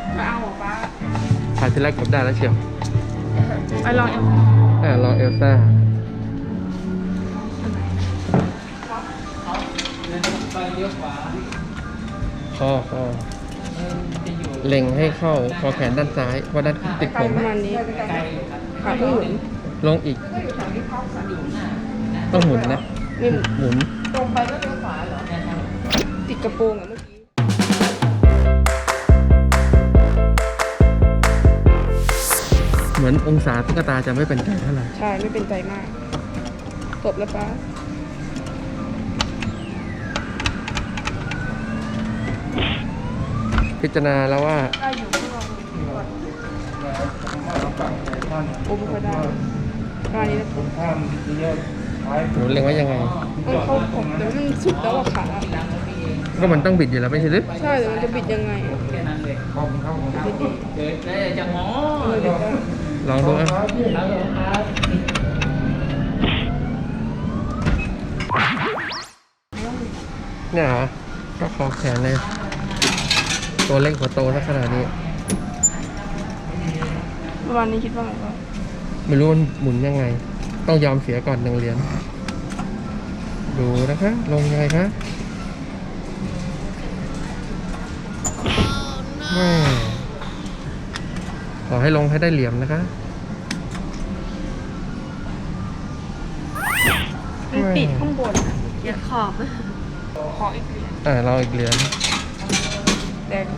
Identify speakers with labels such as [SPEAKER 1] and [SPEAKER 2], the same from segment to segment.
[SPEAKER 1] ไม่เอาหรอป้า
[SPEAKER 2] ถ่ายทีแรกกดได้แล้วเชียว
[SPEAKER 1] ไปลอง
[SPEAKER 2] ลองเอลซ่าคอเล็งให้เข้าคอแขนด้านซ้ายเพราะด้านติดผม
[SPEAKER 1] ประมาณนี้ขาต้องหมุน
[SPEAKER 2] ลงอีกต้องหมุนนะ
[SPEAKER 1] นี่
[SPEAKER 2] หมุน
[SPEAKER 1] ตรงไปก็เลี้ยวขวาเหรอติดกระโปรงอ่ะเมื่อกี้
[SPEAKER 2] เหมือนองศาตุ๊กตาจะไม่เป็นใจเท่าไหร่
[SPEAKER 1] ใช่ไม่เป็นใจมากจบแล้วป้า
[SPEAKER 2] พิจารณาแล้วว่า
[SPEAKER 1] ได้อยู่ที่เราโอ้ไม่ค่อยได้การนี้นะผม
[SPEAKER 2] หนูเล็งว่ายังไง
[SPEAKER 1] มันเข้าผมแต่มันสุดแล้วอะขา
[SPEAKER 2] ก็มันต้องบิดอยู่แล้วไม่ใช่หรือ
[SPEAKER 1] ใช่แต่มันจะบิดยังไงบิดดี
[SPEAKER 3] จะงอ
[SPEAKER 2] ลองดูอ่ะเนี่ยเหรอก็คอแขนเลยตัวเล็กหัวโตลักษณะนี้
[SPEAKER 1] ประมาณนี้คิดว่าไงวะ
[SPEAKER 2] ไม่รู้มันหมุนยังไงต้องยอมเสียก่อน1 เหรียญดูนะคะลงยังไงคะขอให้ลงให้ได้เหลี่ยมนะคะ
[SPEAKER 1] มันติดข้างบนอย่าขอบขออีกเหรียญ
[SPEAKER 2] เราอีกเหรียญ
[SPEAKER 1] แดง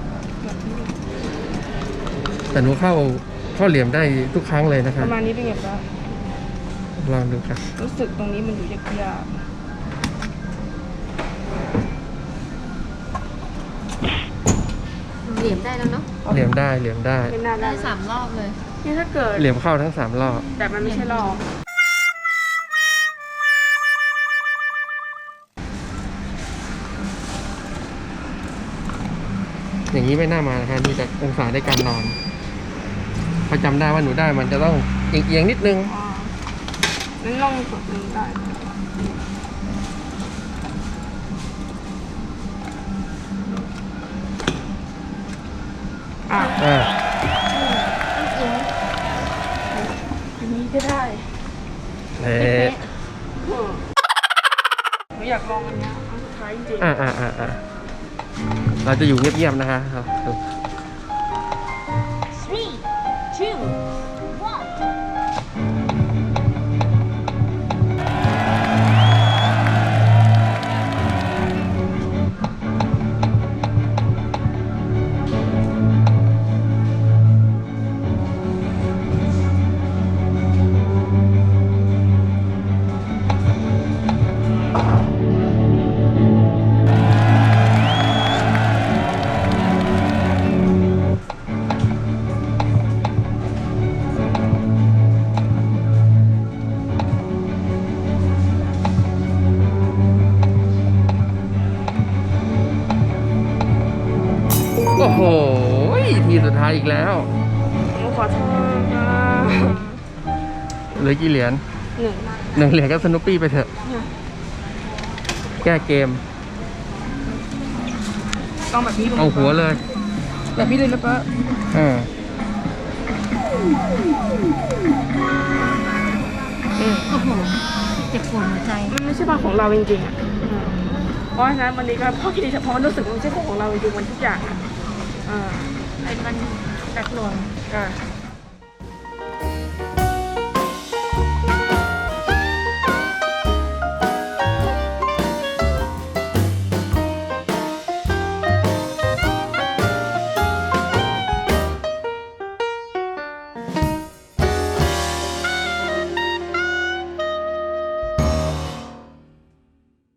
[SPEAKER 2] แต่หนูเข้าเหลี่ยมได้ทุกครั้งเลยนะครับ
[SPEAKER 1] ประมาณนี้เป็นไงบ้าง
[SPEAKER 2] ลองดูครับ
[SPEAKER 1] รู้สึกตรงนี้มันอยู่ยาก
[SPEAKER 4] เหลี่ยมได้แล้วเนาะ
[SPEAKER 2] เหลี่ยมได้
[SPEAKER 4] ได้3 รอบเลย
[SPEAKER 1] นี่ถ้าเกิด
[SPEAKER 2] เหลี่ยมเข้าทั้ง3 รอบ
[SPEAKER 1] แต่มันไม่ใช่รอบ
[SPEAKER 2] อย่างนี้ไม่น่ามานะครับนี่จะองศาในการนอนพอจำได้ว่าหนูได้มันจะต้องเอียงนิดนึง
[SPEAKER 1] นั่นลองกดนี้ได้อันนี้ก็ได้หนูอยากลองอันนี้อันสุดท้ายจริง
[SPEAKER 2] เราจะอยู่เงียบๆนะคะครับ
[SPEAKER 4] 3 2
[SPEAKER 2] โอ้โหทีสุดท้ายอีกแล้ว
[SPEAKER 1] หนูขอโทษนะ
[SPEAKER 2] เหลือกี่เหรียญ1 เหรียญก็สนุปปี้ไปเถอะแก้เกม
[SPEAKER 1] ต้องแบบนี้
[SPEAKER 2] เอาหัวเลย
[SPEAKER 1] แบบนี้เลยนะป้า
[SPEAKER 4] โอ้โหเจ็บปวดหัวใจ
[SPEAKER 1] มันไม่ใช่บ้านของเราจริงๆเพราะฉะนั้นวันนี้ก็พ่อคิดดีเฉพาะมันรู้สึกมันไม่ใช่ของเราจริงๆมันทุกอย่าง
[SPEAKER 4] เป็นมันแตกหล่น